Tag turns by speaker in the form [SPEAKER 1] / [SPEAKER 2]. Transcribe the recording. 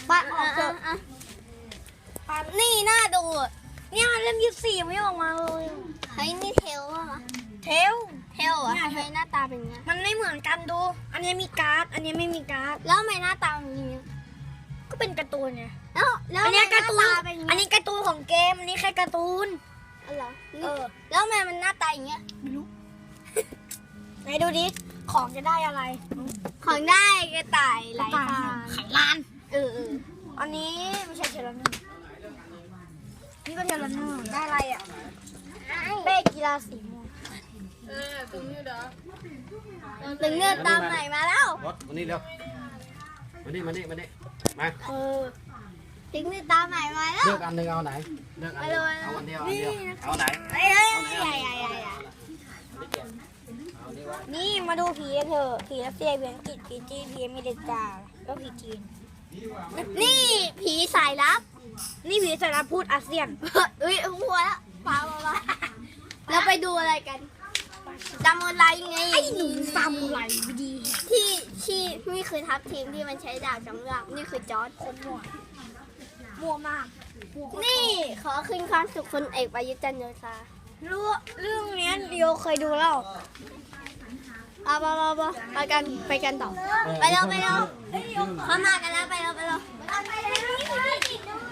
[SPEAKER 1] ปัดออกเถอะปัดนี่น่าดูเนี่ยเล่ม24ไม่ออกมาเลยเฮ้ยนี่เทลป่ะเทลเหรอทำไมหน้าตาเป็นอย่างนี้มันไม่เหมือนกันดูอันนี้มีการ์ดอันนี้ไม่มีการ์ดแล้วทำไมหน้าตาเป็นอย่างนี้ก็เป็นการ์ตูนไงแล้วอันนี้การ์ตูนอันนี้การ์ตูนของเกมอันนี้แค่การ์ตูนอะไรแล้วทำไมมันหน้าตาอย่างเงี้ยไม่รู้ไหนดูดิของจะได้อะไรของได้กระต่ายไหลทางไขลานอันนี้ไม่ใช่เทเลนเนอร์นี่ก็เทเลนเนอร์ได้อะไรอ่ะเป้กีฬาสีม่วงตึงเนื้อตามไหนมาแล้ว
[SPEAKER 2] รถมานี่เร็วมานี่มาตึงเนื้อตามไหนมาแล้วเลือกอันหนึ่งเอาไหนเลือกอันเดียวเอาอันเดียวเอาไหน
[SPEAKER 1] นี่มาดูผีเถอะผีรัสเซียผีอังกฤษผีจีนผีอเมริกาแล้วผีจีนนี่ผีสายลับนี่ผีสายลับพูดอาเซียนหัวแล้วมาแล้วไปดูอะไรกันซามูไรไงไอ้หนูซามูไรดีที่นี่คือทัพทีมที่มันใช้ดาบสำหรับนี่คือจอร์จคนมั่วมากนี่ขอขึ้นความสุขคนเอกประยุทธ์จันทร์โอชาเรื่องนี้เดียวเคยดูแล้วไปกันต่อไปเร็วเข้ามากันแล้วไปเร็ว